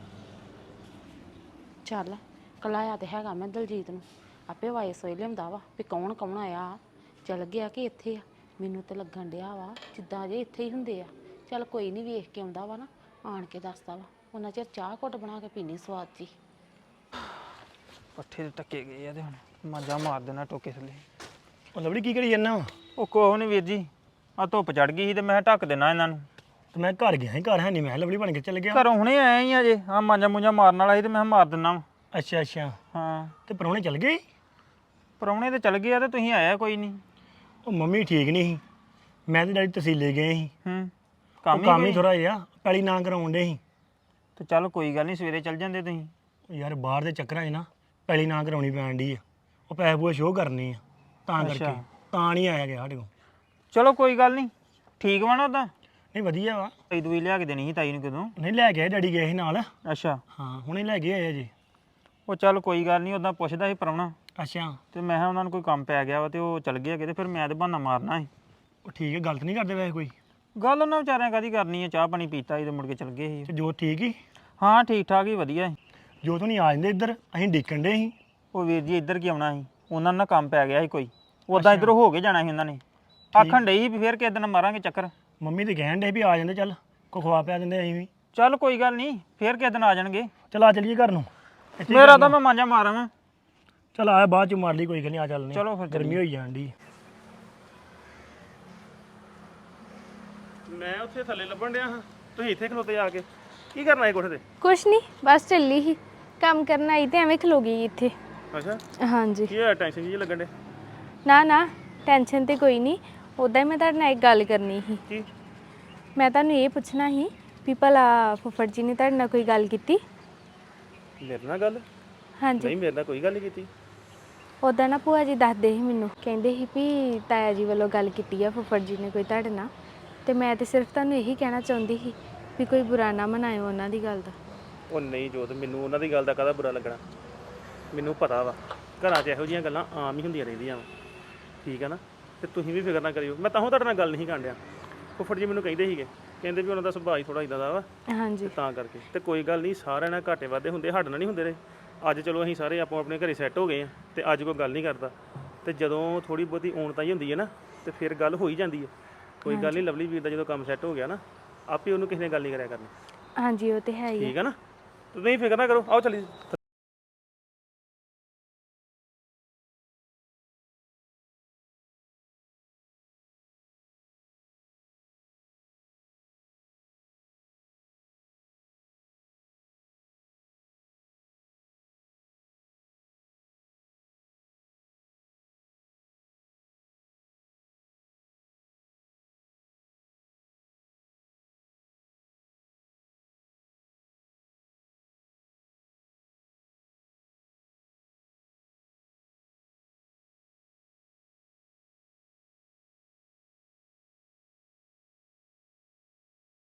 Speaker 4: ਚੱਲ ਕਲਾਇਆ ਤੇ ਹੈਗਾ ਮੈਂ ਦਲਜੀਤ ਨੂੰ, ਆਪੇ ਵਾਇਸ ਹੋਈ ਲਿਆਉਂਦਾ ਵਾ ਵੀ ਕੌਣ ਕੌਣ ਆਇਆ, ਚੱਲ ਗਿਆ ਕਿ ਇੱਥੇ ਆ। ਮੈਨੂੰ ਤੇ ਲੱਗਣ ਡਿਆ ਵਾ ਜਿੱਦਾਂ ਜੇ ਇੱਥੇ ਹੀ ਹੁੰਦੇ ਆ। ਚੱਲ ਕੋਈ ਨਹੀਂ, ਵੇਖ ਕੇ ਆਉਂਦਾ ਵਾ ਨਾ, ਆਣ ਕੇ ਦੱਸਦਾ ਵਾ, ਉਹਨਾਂ ਚਿਰ ਚਾਹ ਘੁੱਟ ਬਣਾ ਕੇ ਪੀਣੀ ਸਵਾਦ ਜੀ।
Speaker 7: ਪੱਠੇ ਤੇ ਟੱਕੇ ਗਏ ਆ ਤੇ ਹੁਣ ਮਾਂਜਾ ਮਾਰ ਦੇਣਾ ਟੋਕੇ ਥੱਲੇ।
Speaker 6: ਉਹ ਲਵੜੀ ਕੀ ਕਰੀ ਜਾਂਦਾ ਵਾ?
Speaker 7: ਉਹ ਕੋਹ ਨਹੀਂ ਵੀਰ ਜੀ, ਆ ਧੁੱਪ ਚੜ ਗਈ ਸੀ ਤੇ ਮੈਂ ਢੱਕ ਦੇਣਾ ਇਹਨਾਂ ਨੂੰ।
Speaker 6: ਤੇ ਮੈਂ ਘਰ ਗਿਆ ਸੀ, ਘਰ ਹੈ ਨਹੀਂ, ਮੈਂ ਲਵੜੀ ਬਣ ਕੇ ਚੱਲ ਗਿਆ।
Speaker 7: ਘਰੋਂ ਹੁਣੇ ਆਇਆ ਹੀ ਅਜੇ, ਆ ਮਾਂਜਾ ਮੂੰਜਾ ਮਾਰਨ ਵਾਲਾ ਸੀ ਤੇ ਮੈਂ ਮਾਰ ਦਿੰਨਾ ਵਾ।
Speaker 6: ਅੱਛਾ ਅੱਛਾ,
Speaker 7: ਹਾਂ
Speaker 6: ਤੇ ਪ੍ਰਾਹੁਣੇ ਚੱਲ ਗਏ?
Speaker 7: ਪਰੌਣੇ ਤੇ ਚਲ ਗਏ ਆ ਤੇ ਤੁਸੀਂ ਆਇਆ ਕੋਈ ਨਹੀਂ।
Speaker 6: ਉਹ ਮੰਮੀ ਠੀਕ ਨਹੀਂ ਸੀ, ਮੈਂ ਤੇ ਡੈਡੀ ਤਹਿਸੀਲੇ ਗਏ ਸੀ।
Speaker 7: ਕੰਮ
Speaker 6: ਹੀ ਥੋੜਾ ਜਿਹਾ ਪੈਲੀ ਨਾ ਕਰਾਉਣ ਦੇ ਸੀ।
Speaker 7: ਤੇ ਚੱਲ ਕੋਈ ਗੱਲ ਨਹੀਂ, ਸਵੇਰੇ ਚੱਲ ਜਾਂਦੇ ਤੁਸੀਂ।
Speaker 6: ਯਾਰ ਬਾਹਰ ਦੇ ਚੱਕਰਾਂ 'ਚ ਨਾ ਪੈਲੀ ਨਾ ਕਰਾਉਣੀ ਪੈਣ ਡਈ ਆ, ਉਹ ਪੈਸੇ ਪੂਏ ਸ਼ੋਅ ਕਰਨੇ ਆ, ਤਾਂ ਕਰਕੇ ਤਾਂ ਨਹੀਂ ਆਇਆ ਗਿਆ ਸਾਡੇ ਕੋਲ।
Speaker 7: ਚਲੋ ਕੋਈ ਗੱਲ ਨਹੀਂ, ਠੀਕ ਵਾ ਨਾ ਉਦਾਂ?
Speaker 6: ਨਹੀਂ ਵਧੀਆ ਵਾ।
Speaker 7: ਤਾਈ ਦੂਈ ਲਿਆ ਕੇ ਦੇਣੀ ਸੀ ਤਾਈ ਨੂੰ ਕਦੋਂ?
Speaker 6: ਨਹੀਂ ਲੈ ਕੇ ਆਏ, ਡੈਡੀ ਗਏ ਸੀ ਨਾਲ।
Speaker 7: ਅੱਛਾ
Speaker 6: ਹਾਂ ਹੁਣੇ ਲੈ ਕੇ ਆਏ ਜੀ।
Speaker 7: ਉਹ ਚੱਲ ਕੋਈ ਗੱਲ ਨਹੀਂ, ਉਦਾਂ ਪੁੱਛਦਾ ਸੀ ਪਰੌਣਾ,
Speaker 6: ਅੱਛਾ,
Speaker 7: ਤੇ ਮੈਂ ਕਿਹਾ ਉਹਨਾਂ ਨੂੰ ਕੋਈ ਕੰਮ ਪੈ ਗਿਆ ਵਾ ਤੇ ਉਹ ਚੱਲ ਗਿਆ ਕਿਤੇ, ਫਿਰ ਮੈਂ ਤੇ ਬਹਾਨਾ ਮਾਰਨਾ ਸੀ।
Speaker 6: ਉਹ ਠੀਕ ਹੈ, ਗਲਤ ਨਹੀਂ ਕਰਦੇ ਵੈਸੇ ਕੋਈ?
Speaker 7: ਗੱਲ ਉਹਨਾਂ ਵਿਚਾਰਿਆਂ ਕਾਦੀ ਕਰਨੀ ਹੈ, ਚਾਹ ਪਾਣੀ ਪੀਤਾ ਸੀ ਤੇ ਮੁੜ ਕੇ ਚਲ ਗਏ ਸੀ।
Speaker 6: ਤੇ ਜੋ ਠੀਕ ਹੀ?
Speaker 7: ਹਾਂ ਠੀਕ ਠਾਕ ਹੀ ਵਧੀਆ ਸੀ।
Speaker 6: ਜੋ ਤੂੰ ਨਹੀਂ ਆ ਜਾਂਦੇ ਇੱਧਰ ਅਸੀਂ ਡਿੱਕਣ ਡੇ ਸੀ।
Speaker 7: ਉਹ ਵੀਰ ਜੀ ਇੱਧਰ ਕੀ ਆਉਣਾ ਸੀ, ਉਹਨਾਂ ਨਾਲ ਕੰਮ ਪੈ ਗਿਆ ਸੀ ਕੋਈ, ਉਦਾਂ ਇੱਧਰ ਹੋ ਕੇ ਜਾਣਾ ਸੀ ਉਹਨਾਂ ਨੇ। ਆਖਣ ਡਈ ਸੀ ਵੀ ਫੇਰ ਕਿਸੇ ਦਿਨ ਮਾਰਾਂਗੇ ਚੱਕਰ।
Speaker 6: ਮੰਮੀ ਤੇ ਕਹਿਣ ਡੇ ਵੀ ਆ ਜਾਂਦੇ, ਚੱਲ ਕੋ ਖਵਾ ਪਿਆ ਦਿੰਦੇ ਅਸੀਂ ਵੀ।
Speaker 7: ਚੱਲ ਕੋਈ ਗੱਲ ਨਹੀਂ, ਫੇਰ ਕਿਸੇ ਦਿਨ ਆ ਜਾਣਗੇ।
Speaker 6: ਚੱਲ ਆ ਚੱਲੀਏ ਘਰ ਨੂੰ। ਇੱਥੇ
Speaker 7: ਮੇਰਾ ਤਾਂ ਮੈਂ ਮਾਂਜਾ ਮਾਰਾਂ ਵਾਂ।
Speaker 6: ਚੱਲ ਆ ਬਾਅਦ ਚ ਮਾਰ ਲਈ, ਕੋਈ ਗੱਲ ਨਹੀਂ, ਆ ਚੱਲਨੇ।
Speaker 7: ਚਲੋ ਫਿਰ
Speaker 6: ਗਰਮੀ ਹੋਈ ਜਾਣ ਦੀ।
Speaker 8: ਮੈਂ ਉੱਥੇ ਥੱਲੇ ਲੱਭਣ ਡਿਆ ਹਾਂ, ਤੁਸੀਂ ਇੱਥੇ ਖਲੋਤੇ ਆ ਕੇ ਕੀ ਕਰਨਾ ਹੈ ਕੋਠੇ ਤੇ?
Speaker 1: ਕੁਛ ਨਹੀਂ, ਬਸ ਚੱਲੀ ਹੀ ਕੰਮ ਕਰਨ ਆਈ ਤੇ ਐਵੇਂ ਖਲੋ ਗਈ ਇੱਥੇ।
Speaker 8: ਅੱਛਾ,
Speaker 1: ਹਾਂਜੀ।
Speaker 8: ਕੀ ਹੋਇਆ? ਟੈਨਸ਼ਨ ਜੀ ਲੱਗਣ ਡੇ?
Speaker 1: ਨਾ ਨਾ, ਟੈਨਸ਼ਨ ਤੇ ਕੋਈ ਨਹੀਂ, ਉੱਦਾਂ ਹੀ ਮੈਂ ਤੁਹਾਡੇ ਨਾਲ ਇੱਕ ਗੱਲ ਕਰਨੀ ਸੀ।
Speaker 8: ਕੀ?
Speaker 1: ਮੈਂ ਤੁਹਾਨੂੰ ਇਹ ਪੁੱਛਣਾ ਸੀ ਵੀ ਭਲਾ ਫੁੱਫੜ ਜੀ ਨੇ ਤੁਹਾਡੇ ਨਾਲ ਕੋਈ ਗੱਲ ਕੀਤੀ?
Speaker 8: ਮੇਰੇ ਨਾਲ ਗੱਲ?
Speaker 1: ਹਾਂਜੀ।
Speaker 8: ਨਹੀਂ, ਮੇਰੇ ਨਾਲ ਕੋਈ ਗੱਲ ਨਹੀਂ ਕੀਤੀ।
Speaker 1: ਉੱਦਾਂ ਨਾ ਭੂਆ ਜੀ ਦੱਸਦੇ ਸੀ ਮੈਨੂੰ, ਕਹਿੰਦੇ ਸੀ ਵੀ ਤਾਇਆ ਜੀ ਵੱਲੋਂ ਗੱਲ ਕੀਤੀ ਆ ਫੁੱਫੜ ਜੀ ਨੇ ਕੋਈ ਤੁਹਾਡੇ ਨਾਲ, ਤੇ ਮੈਂ ਤੇ ਸਿਰਫ ਤੁਹਾਨੂੰ ਇਹੀ ਕਹਿਣਾ ਚਾਹੁੰਦੀ ਸੀ ਵੀ ਕੋਈ ਬੁਰਾ ਨਾ ਮਨਾਇਓ ਉਹਨਾਂ ਦੀ ਗੱਲ ਦਾ।
Speaker 8: ਉਹ ਨਹੀਂ ਜੋਤ, ਮੈਨੂੰ ਉਹਨਾਂ ਦੀ ਗੱਲ ਦਾ ਕਾਹਦਾ ਬੁਰਾ ਲੱਗਣਾ। ਮੈਨੂੰ ਪਤਾ ਵਾ ਘਰਾਂ 'ਚ ਇਹੋ ਜਿਹੀਆਂ ਗੱਲਾਂ ਆਮ ਹੀ ਹੁੰਦੀਆਂ ਰਹਿੰਦੀਆਂ ਵਾ, ਠੀਕ ਆ ਨਾ? ਤੇ ਤੁਸੀਂ ਵੀ ਫਿਕਰ ਨਾ ਕਰਿਓ, ਮੈਂ ਤਾਂ ਤੁਹਾਡੇ ਨਾਲ ਗੱਲ ਨਹੀਂ ਕਰਨ ਡਿਆ। ਫੁੱਫੜ ਜੀ ਮੈਨੂੰ ਕਹਿੰਦੇ ਸੀਗੇ, ਕਹਿੰਦੇ ਵੀ ਉਹਨਾਂ ਦਾ ਸੁਭਾਅ ਹੀ ਥੋੜਾ ਇਦਾਂ ਦਾ ਵਾ,
Speaker 1: ਹਾਂਜੀ।
Speaker 8: ਤਾਂ ਕਰਕੇ। ਤੇ ਕੋਈ ਗੱਲ ਨਹੀਂ, ਸਾਰਿਆਂ ਨਾਲ ਘਾਟੇ ਵਾਧੇ ਹੁੰਦੇ, ਸਾਡੇ ਨਾਲ ਨਹੀਂ ਹੁੰਦੇ ਰਹੇ। ਅੱਜ ਚਲੋ ਅਸੀਂ ਸਾਰੇ ਆਪੋ ਆਪਣੇ ਘਰੇ ਸੈੱਟ ਹੋ ਗਏ ਆ, ਤੇ ਅੱਜ ਕੋਈ ਗੱਲ ਨਹੀਂ ਕਰਦਾ। ਤੇ ਜਦੋਂ ਥੋੜੀ ਬਹੁਤੀ ਔਣਤਾਈ ਹੁੰਦੀ ਹੈ ਨਾ, ਤੇ ਫਿਰ ਗੱਲ ਹੋ ਹੀ ਜਾਂਦੀ ਹੈ। ਕੋਈ ਗੱਲ ਨਹੀਂ, ਲਵਲੀ ਵੀਰ ਦਾ ਜਦੋਂ ਕੰਮ ਸੈੱਟ ਹੋ ਗਿਆ ਨਾ, ਆਪੇ ਉਹਨੂੰ ਕਿਸੇ ਨੇ ਗੱਲ ਨਹੀਂ ਕਰਿਆ ਕਰਨੀ।
Speaker 1: ਹਾਂਜੀ, ਉਹ ਤੇ ਹੈ ਹੀ ਆ।
Speaker 8: ਠੀਕ ਹੈ ਨਾ? ਤੁਸੀਂ ਫਿਕਰ ਨਾ ਕਰੋ, ਆਓ ਚੱਲੀਏ।